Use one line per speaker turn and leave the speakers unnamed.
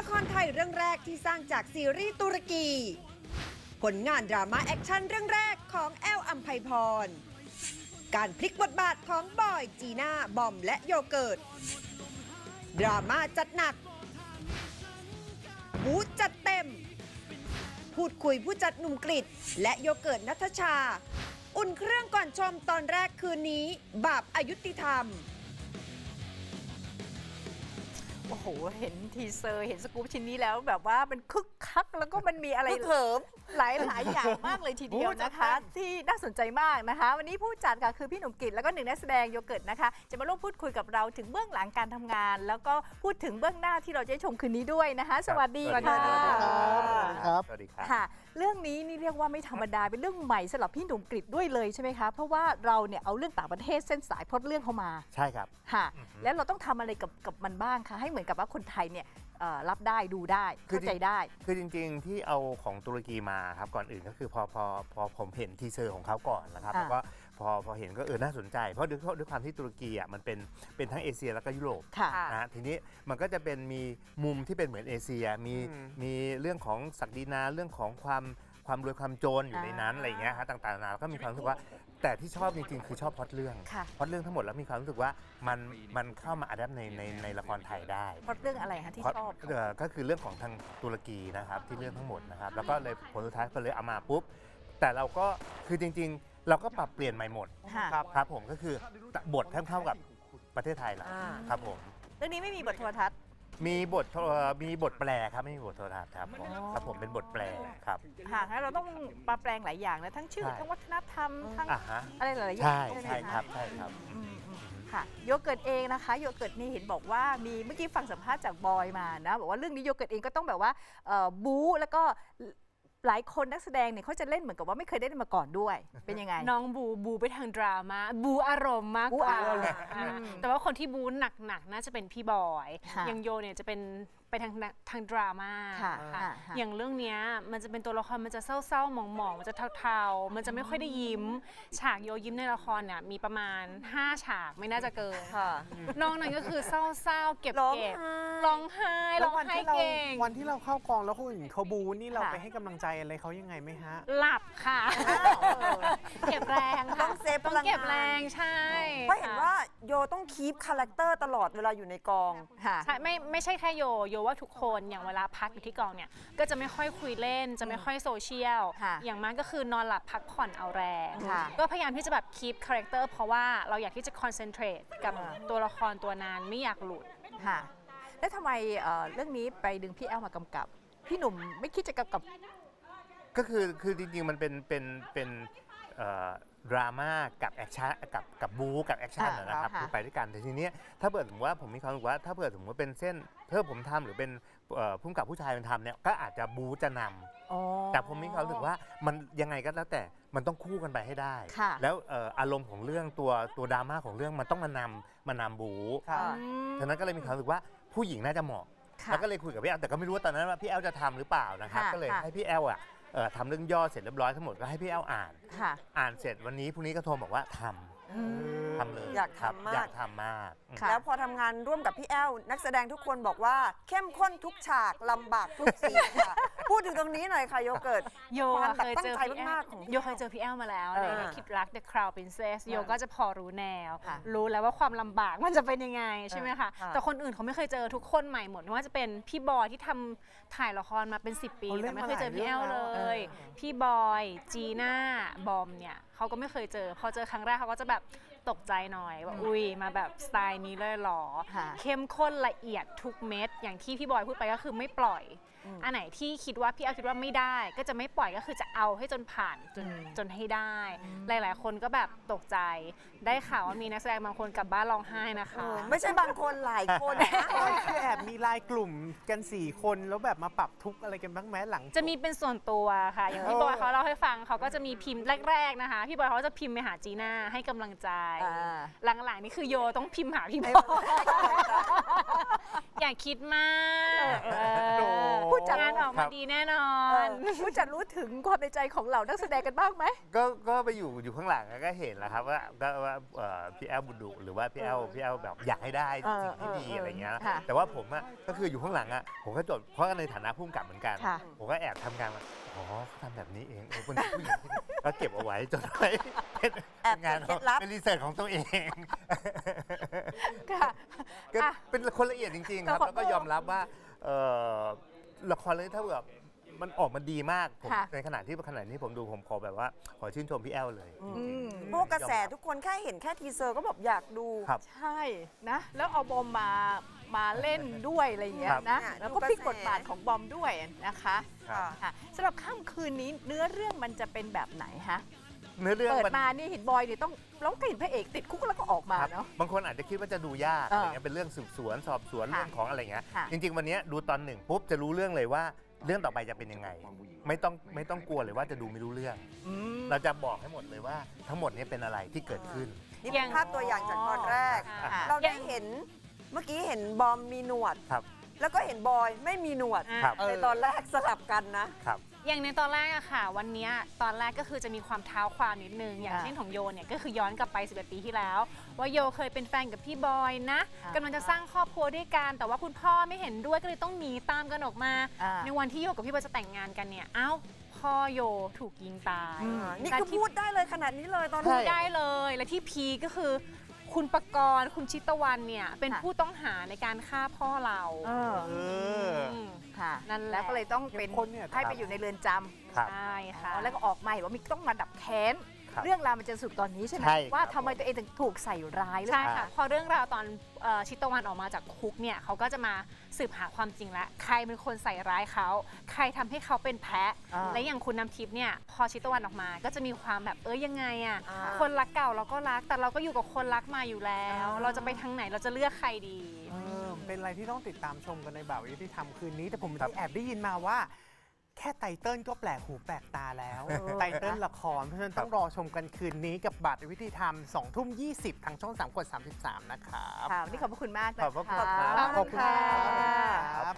ละครไทยเรื่องแรกที่สร้างจากซีรีส์ตุรกี ผลงานดราม่าแอคชั่นเรื่องแรกของแอลอัมไพพร การพลิกบทบาทของบอย จีน่า บอมและโยเกิร์ต ดราม่าจัดหนัก บู๊จัดเต็ม พูดคุยผู้จัดหนุ่มกฤษและโยเกิร์ตณัฐชา อุ่นเครื่องก่อนชมตอนแรกคืนนี้ บาปอยุติธรรม
โอ้โห เห็นทีเซอร์ เห็นสกู๊ปชิ้นนี้แล้วแบบว่ามันคึกคักแล้วก็มันมีอะไร
เขิม
หลายอย่างมากเลยทีเดียวนะคะ ที่น่าสนใจมากนะคะ วันนี้ผู้จัดค่ะคือพี่หนุ่มกฤษแล้วก็หนึ่งนักแสดงโยเกิร์ตนะคะ จะมาร่วมพูดคุยกับเราถึงเบื้องหลังการทำงาน แล้วก็พูดถึงเบื้องหน้าที่เราจะได้ชมคืนนี้ด้วยนะคะ สวัสดีค่ะ
ครับ
สวัสดีครับ
ค่ะ เรื่องนี้นี่เรียกว่าไม่ธรรมดาเป็นเรื่องใหม่สำหรับพี่หนุ่มกฤษด้วยเลยใช่ไหมคะเพราะว่าเราเนี่ยเอาเรื่องต่างประเทศเส้นสายพล็อตเรื่องเข้ามา
ใช่ครับ
ค่ะแล้วเราต้องทำอะไรกับมันบ้างคะให้เหมือนกับว่าคนไทยเนี่ยรับได้ดูได้เข้าใจได้
คือจริงๆที่เอาของตุรกีมาครับก่อนอื่นก็คือพอผมเห็นทีเซอร์ของเขาก่อนนะครับ
อ่า
แล้วก็พอเห็นก็น่าสนใจเพราะด้วยความที่ตุรกีอ่ะมันเป็นทั้งเอเชียแล้วก็ยุโรป
ค่ะ
นะทีนี้มันก็จะเป็นมีมุมที่เป็นเหมือนเอเชียมีเรื่องของศักดินาเรื่องของความรวยความโจรอยู่ในนั้นอะไรอย่างเงี้ยครับต่างๆนานาแล้วก็มีความรู้สึกว่าแต่ที่ชอบจริงๆคือชอบพล็อตเรื่อง
ค่ะ
พล็อตเรื่องทั้งหมดแล้วมีความรู้สึกว่ามันเข้ามาอัดแอปในละครไทยได้
เพราะเรื่องอะไรคะที่ชอบ
ก็คือเรื่องของทางตุรกีนะครับที่เรื่องทั้งหมดนะครับแล้วก็เลยผลสุดท้ายก็เลยเอามาปุ๊บแต่เราก็คือจริงๆ เราก็ปรับเปลี่ยนใหม่หมด
ค่ะ
ครับผมก็คือบทเท่ากับประเทศไทยแหละครับผม
เรื่องนี้ไม่มีบทโทรทัศน์
มีบทแปลครับไม่มีบทโทรทัศน์ครับผมครับผมเป็นบทแปลครับ
ค่ะงั้นเราต้องปรับแปลงหลายอย่างนะทั้งชื่อ
ใช่
ทั้งวัฒนธรรมทั้ง
อ่ะฮะ
อะไรหลายๆอย่า
ใช่
ง
ใช่
ไหมะ
ครับใช่ครับ
ค่ะโยเกิร์ตเองนะคะโยเกิร์ตนี่เห็นบอกว่ามีเมื่อกี้ฟังสัมภาษณ์จากบอยมานะบอกว่าเรื่องนี้โยเกิร์ตเองก็ต้องแบบว่าบู๊แล้วก็หลายคนนักแสดงเนี่ยเขาจะเล่นเหมือนกับว่าไม่เคยได้เล่นมาก่อนด้วยเป็นยังไง
น้องบูไปทางดราม่าบูอารมณ์มากกว่า
บูอารมณ์
แต่ว่าคนที่บูหนักๆน่าจะเป็นพี่บอย
ค่ะ
อย่างโยเนี่ยจะเป็นไปทางดราม่า
ค่ะ
ค่ะ
ค่ะ
อย่างเรื่องเนี้ยมันจะเป็นตัวละครมันจะเศร้าๆหมองๆมันจะเทาๆมันจะไม่ค่อยได้ยิ้ม ฉากโยยิ้มในละครเนี่ยมีประมาณ5ฉากไม่น่าจะเกิน
ค่ะ
นอกนั้นก็คือเศร้าๆเก็บ
ร้อง
เก็บ
ไห้
ร้องไห้ร้องไห้เก่ง
วันที่เราเข้ากองแล้วคนอื่นเขาบูนี่เรา
ค่ะ
ไปให้กำลังใจอะไรเขายังไงไหมฮะ
หลับค่ะ เก็บแรงค่ะ
ต้องเซฟพลังงาน
เก็บแรงใช่
เพราะเห็นว่าโยต้องคีปคาแรคเตอร์ตลอดเวลาอยู่ในกอง
ค่ะ
ใช่ไม่ใช่แค่โยว่าทุกคนอย่างเวลาพักอยู่ที่กองเนี่ยก็จะไม่ค่อยคุยเล่นจะไม่ค่อยโซเชียล
ค่ะ
อย่างมากก็คือนอนหลับพักผ่อนเอาแรง
ค่ะ
ก็พยายามที่จะแบบคีปคาแรคเตอร์เพราะว่าเราอยากที่จะคอนเซนเทรตกับตัวละครตัวนั้นไม่อยากหลุด
ค่ะ แล้วทำไมเรื่องนี้ไปดึงพี่แอลมากำกับ พี่หนุ่มไม่คิดจะกำกับ
ก็คือจริงๆมันเป็นดราม่ากับแอคชั่นกับบู๊กับแอคชั่น
ค่ะ
นะครับ
ค่ะ
คือไปด้วยกันแต่ทีเนี้ยถ้าเกิดสมมติว่าผมมีความรู้สึกว่าถ้าเกิดสมมติว่าเป็นเส้นถ้าผมทำหรือเป็นผู้กำกับผู้ชายเป็นทำเนี่ยก็อาจจะบู๊จะนำ
อ๋อ
แต่ผมมีความรู้สึกว่ามันยังไงก็แล้วแต่มันต้องคู่กันไปให้ได้
ค่ะ
แล้วอารมณ์ของเรื่องตัวดราม่าของเรื่องมันต้องมานำบู๊
ครับ
ฉะนั้นก็เลยมีความรู้สึกว่าผู้หญิงน่าจะเหมาะ
ค่ะ
แล้วก็เลยคุยกับพี่แอลแต่ก็ไม่รู้ว่าตอนนั้นว่าพี่แอลจะทำหรือเปล่านะครับ
ค่ะ
ก็เลย
ค่ะ
ให้พี่แอลทำเรื่องย่อเสร็จเรียบร้อยทั้งหมดก็ให้พี่แอลอ่าน
ค่ะ
อ่านเสร็จวันนี้พรุ่งนี้ก็โทรบอกว่าทำเลย
อยาก
ครับ
ทำมาก
อยากทำมาก
ค่ะ
แล้วพอทำงานร่วมกับพี่แอลนักแสดงทุกคนบอกว่าเข้มข้นทุกฉากลำบากทุกซีนค่ะ พูดถึงตรงนี้หน่อยค่ะโยเกิร์ต
โย
ความแบบ
เคย
ตั้ง
เจอ
ใจ
พี่แอ
มา
ล
กๆของพี่
โยเคยเจอพี่แอลมาแล้ว
เออ
ในคิดรัก The Crown Princess โยก็จะพอรู้แนว
ค่ะ
รู้แล้วว่าความลำบากมันจะเป็นยังไงใช่ไหมคะ
ค่ะ
แต่คนอื่นเขาไม่เคยเจอทุกคนใหม่หมดไม่ว่าจะเป็นพี่บอยที่ทำถ่ายละครมาเป็น10 ปี
เขาเล่
แต่
น
ไม่เคยเจอพี่แอล
มาห
เล
ลายเรื่องแล้ว
ย พี่บอย จีน่า บอมเนี่ยเขาก็ไม่เคยเจอ พอเจอครั้งแรกเขาก็จะแบบตกใจหน่อยว่าอุ้ยมาแบบสไตล์นี้เลยเหรอ
ค่ะ
เข้มข้นละเอียดทุกเม็ดอย่างที่พี่บอยพูดไปก็คือไม่ปล่อย อันไหนที่คิดว่าพี่แอลคิดว่าไม่ได้ ก็จะไม่ปล่อยก็คือจะเอาให้จนผ่านจนให้ได้ หลายๆ คนก็แบบตกใจ ได้ข่าวว่ามีนักแสดงบางคนกลับบ้านร้องไห้นะคะ
ไม่ใช่บางคนหลายคนนะ
คือแอบมีไลน์กลุ่มกัน 4 คนแล้วแบบมาปรับทุกข์อะไรกันบ้างไหมหลัง
จะมีเป็นส่วนตัวค่ะ อย่างพี่บอยเขาเล่าให้ฟังเขาก็จะมีพิมพ์แรก ๆนะคะ พี่บอยเขาจะพิมพ์ไปหาจีน่าให้กำลังใจ
อ่า
หลังๆนี่คือโยต้องพิมพ์หาพี่บอยอย่างคิดมาก
ผู้จัด
งานออกมาดีแน่นอน
ผู้จัดรู้ถึงความในใจของเหล่านักแสดงกันบ้างไหม
ก็ไปอยู่ข้างหลังก็เห็นแล้วครับว่าพี่แอลบุญดุหรือว่าพี่แอลแบบอยากให้ได้สิ่งที่ดีอะไรเงี้ย
ค่ะ
แต่ว่าผมก็คืออยู่ข้างหลังผมก็จดเพราะในฐานะผู้กำกับเหมือนกัน
ค่ะ
ผมก็แอบทำงานมาอ๋อเขาทำแบบนี้เองเป็นผู้หญิงที่ก็เก็บเอาไว้จดไว้เป็น
แอบ
งาน
เก็บเคล็ดลับ
เป็นรีเสิร์ชของตัวเอง
ค่ะ
ก็
อ่ะ
เป็นคนละเอียดจริงๆครับ
แต่ขอ
แล้วก็ยอมรับว่าละครเรื่องนี้ถ้าแบบมันออกมาดีมากผม
ค่ะ
ในขณะที่ผมดูผมขอแบบว่าขอชื่นชมพี่แอลเลย
พวกกระแสทุกคนแค่เห็นแค่ทีเซอร์ก็แบบอยากดู
ครับ
ใช่นะ แล้วเอาบอมมาเล่นด้วยอะไรอย่างเงี้ย
ครับ
นะ
เนี่ย
แล้วก็
ดูกระแส
พลิกบทบาทของบอมด้วยนะคะ
ครับ
ค่ะสำหรับค่ำคืนนี้เนื้อเรื่องมันจะเป็นแบบไหนฮะ
เนื้อเรื่อง
เปิด
มัน
มานี่เห็นบอยเนี่ยต้องเราก็เห็นพระเอกติดคุกแล้วก็ออกมา
ครับ
เนาะ
บางคนอาจจะคิดว่าจะดูยาก
เอออ
อะไรเงี้ยเป็นเรื่องสืบสวนสอบสวน
ค่ะ
เรื่องของอะไรเงี้ย
ค่ะ
จริง ๆ วันเนี้ยดูตอนหนึ่งปุ๊บจะรู้เรื่องเลยว่าเรื่องต่อไปจะเป็นยังไง ไม่ต้องกลัวเลยว่าจะดูไม่รู้เรื่อง
อืม
เราจะบอกให้หมดเลยว่าทั้งหมดเนี้เป็นอะไรที่เกิดขึ้น
นี่เป็นภาพตัวอย่างจากตอนแรก
ค่ะ
เราได้เห็นเมื่อกี้เห็นบอมมีหนวด
ครับ
แล้วก็เห็นบอยไม่มีหนวด
ครับ
ในตอนแรกสลับกันนะ
ครับ
อย่างในตอนแรกอะค่ะ วันเนี้ยตอนแรกก็คือจะมีความเท้าความนิดนึง อย่างเช่นของโยเนี่ยก็คือย้อนกลับไป11 ปีที่แล้ว ว่าโยเคยเป็นแฟนกับพี่บอยนะ
อ่าก
ำลังจะสร้างครอบครัวด้วยกัน แต่ว่าคุณพ่อไม่เห็นด้วยก็เลยต้องหนีตามกันออกมา
อ่า
ในวันที่โยกับพี่บอยจะแต่งงานกันเนี่ย เอ้าพ่อโยถูกยิงตาย
นี่
และ
คือ
ที่
พูดได้เลยขนาดนี้เลยตอน
ใช่
นี้
ได้เลย และที่พีคก็คือคุณปกรณ์คุณชิตวันเนี่ยเป็น
ค่ะ
ผู้ต้องหาในการฆ่าพ่อเรา
เออ
ม
ค่ะ
นั่นแหละ
แล้วก็เลยต้องเป็น
เข้มข้นเนี่ย
ให้ไปอยู่ในเรือนจำ
ครับ
ใช่ค่ะ
แล้วก็ออกมาเห็นว่ามีต้องมาดับแค้น
ครับ
เรื่องราวมันจะสุดตอนนี้ใช่ไหม
ใช่ครับ
ว่าทำไมตัวเองถึงถูกใส่ร้ายหรือ
ใช่
เปล่า
ค่ะ พอเรื่องราวตอนชิตวันออกมาจากคุกเนี่ยเขาก็จะมาสืบหาความจริงแล้วใครเป็นคนใส่ร้ายเขาใครทำให้เขาเป็นแพ้
อ่า
และอย่างคุณน้ำทิพย์เนี่ยพอชิตวันออกมาก็จะมีความแบบยังไงอะ
อ่า
คนรักเก่าเราก็รักแต่เราก็อยู่กับคนรักมาอยู่แล้ว เราจะไปทางไหนเราจะเลือกใครดี
เป็นอะไรที่ต้องติดตามชมกันในบ่าวยุติธรรมคืนนี้ แต่ผมแอบได้ยินมาว่า แค่ไตเติ้ลก็แปลกหูแปลกตาแล้ว ไตเติ้ลละคร เพราะฉะนั้นต้องรอชมกันคืนนี้กับบัตรยุติธรรม 20:20 ทางช่อง 3 กด 33 นะครับ
ค่ะวันนี้ขอบพระคุณมากนะคะ
ขอบพระคุณครับ
ขอบคุณค่ะ
ครับ